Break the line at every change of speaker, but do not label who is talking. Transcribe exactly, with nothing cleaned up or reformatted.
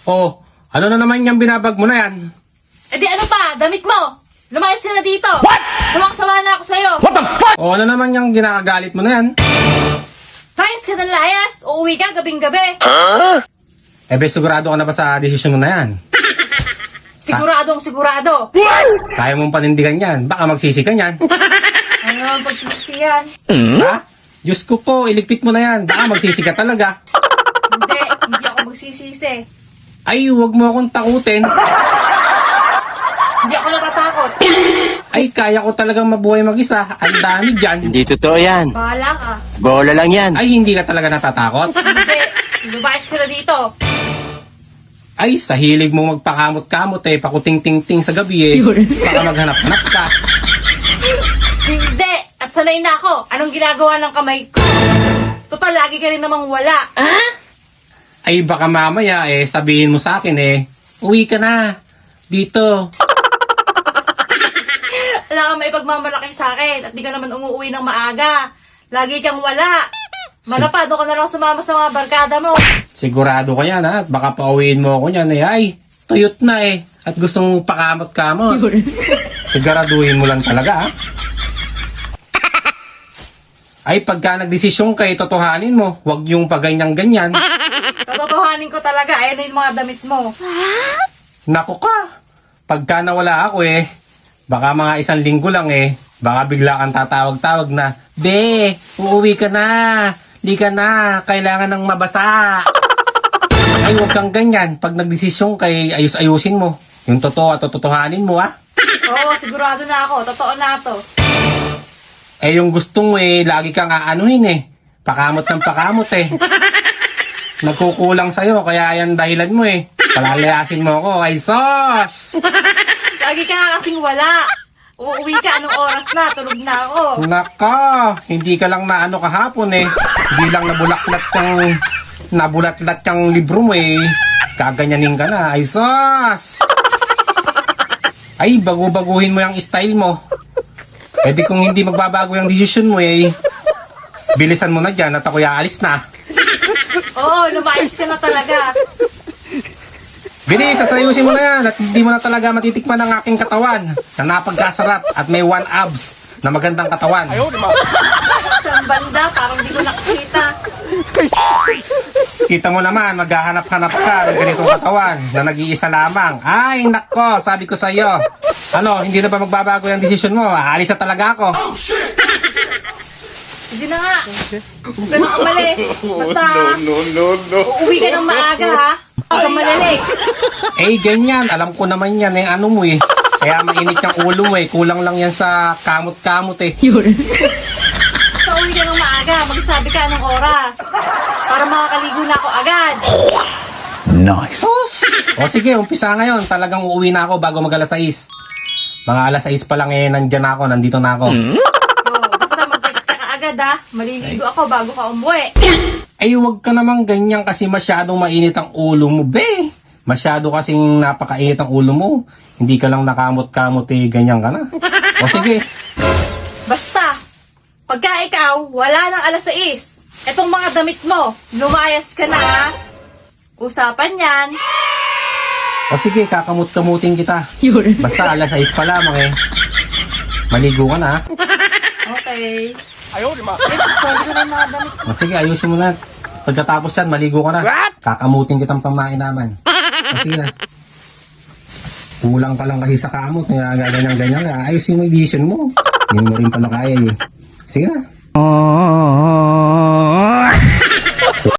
Oh, ano na naman yung binabag mo na yan?
Eh di ano pa, damit mo! Lumayas ka na dito! What? Sawang-sawa na ako sa'yo!
What the fuck? Oh, ano naman yung ginakagalit mo na yan?
Layas ka ng layas! Uuwi ka gabing-gabi!
Eh, be, sigurado ka na ba sa desisyon mo na yan?
Siguradong sigurado!
Kaya mong panindigan yan. Baka magsisi ka yan.
Ano ang pagsisiyan?
Ha? Diyos ko po, iligpit mo na yan. Baka magsisi ka talaga.
Hindi, hindi ako magsisisi.
Ay, huwag mo akong takutin.
Hindi ako natatakot.
Ay, kaya ko talagang mabuhay mag-isa. Ang dami dyan.
Hindi totoo yan.
Bahala ka.
Bola lang yan.
Ay, hindi ka talaga natatakot?
Hindi, lumayas ka na dito.
Ay, sa hilig mo magpakamot-kamot eh, pakuting-ting-ting sa gabi eh. Baka maghanap-hanap ka.
Hindi, at sanay na ako. Anong ginagawa ng kamay ko? Total, lagi ka rin namang wala.
Ay, baka mamaya eh, sabihin mo sa akin eh, uwi ka na. Dito.
Wala kang maipagmamalaki sa akin at di ka naman umuwi ng maaga. Lagi kang wala. Manapado ka na lang sumama sa mga barkada mo.
Sigurado ka yan ha, at baka pauwiin mo ako niyan eh. Ay, tuyot na eh. At gusto mong pakamot-kamot. Siguraduhin mo lang talaga ha. Ay, pagka nagdesisyon ka, totohanin mo. Huwag yung paganyang-ganyan.
Tototohanin ko talaga, ayan na yung mga damit mo.
Nako ka. Pagka nawala ako eh, baka mga isang linggo lang eh, baka bigla kang tatawag-tawag na, Be, uuwi ka na. Di ka na. Kailangan ng mabasa. Ay, huwag kang ganyan. Pag nagdesisyon kay ayus-ayusin mo. Yung totoo at totohanin mo ha.
Oo, sigurado na ako. Totoo na to.
Eh, yung gusto mo eh, lagi kang aanuhin eh. Pakamot ng pakamot eh. Nagkukulang sa'yo, kaya yan dahilan mo eh. Palalayasin mo ako, ay sos!
Lagi ka nga kasing wala. Uuwi ka, anong oras na? Tulog na ako.
Naka, hindi ka lang na ano kahapon eh. Hindi lang nabulaklat yung, nabulatlat yung libro mo eh. Kaganyanin ka na, ay sos! Ay, bagu-baguhin mo yung style mo. Eh di kung hindi magbabago yung desisyon mo eh, bilisan mo na dyan at ako'y aalis na.
Oo, lumayas ka na talaga.
Bilis, asayusin mo na yan at hindi mo na talaga matitikman ang aking katawan na napagkasarap at may one abs na magandang katawan.
Sa banda, parang di ko nakikita.
Kita mo naman, maghahanap-hanap ka ng ganitong katawan na nag-iisa lamang. Ay, nako, sabi ko sa iyo. Ano, hindi na ba magbabago yung desisyon mo? Aalis na talaga ako.
Hindi na nga. Huwag ka nang umalis. Basta,
no, no, no.
uuwi ka ng maaga ha. Huwag kang malalik.
Eh, ganyan. Alam ko naman yan eh. Ano mo eh. Kaya mainit yung ulo mo eh. Kulang lang yan sa kamot-kamot eh.
Basta uwi ka ng maaga. Magsabi ka anong oras. Para makakaligo na ako agad.
Nice. O sige, umpisa ngayon. Talagang uuwi na ako bago mag alas sais. Mga alas sais pa lang eh, nandyan na ako. Nandito na ako.
Oh, basta mag-text ka agad ha. Maliligo ako bago ka umuwi.
Ay, huwag ka naman ganyan kasi masyadong mainit ang ulo mo, be. Masyado kasing napakainit ang ulo mo. Hindi ka lang nakamot-kamot eh, ganyan ka na. O sige.
Basta, pagka ikaw, wala ng alas sais. Etong mga damit mo, lumayas ka na ha. Usapan yan.
O sige, kakamot-kamutin kita. Basta alas sais pa lamang eh. Maligo ka na.
Okay.
Ayaw, di ma.
Eh, sorry ko na yung mga damit mo.
O sige, ayusin mo na. Pagkatapos yan, maligo ka na. Kakamutin kitang pamain naman. O sige na. Kulang ka lang kasi sa kamot. Kaya ganyan-ganyan. Ayusin mo yung decision mo. Hindi mo rin pala kaya eh. Sige na.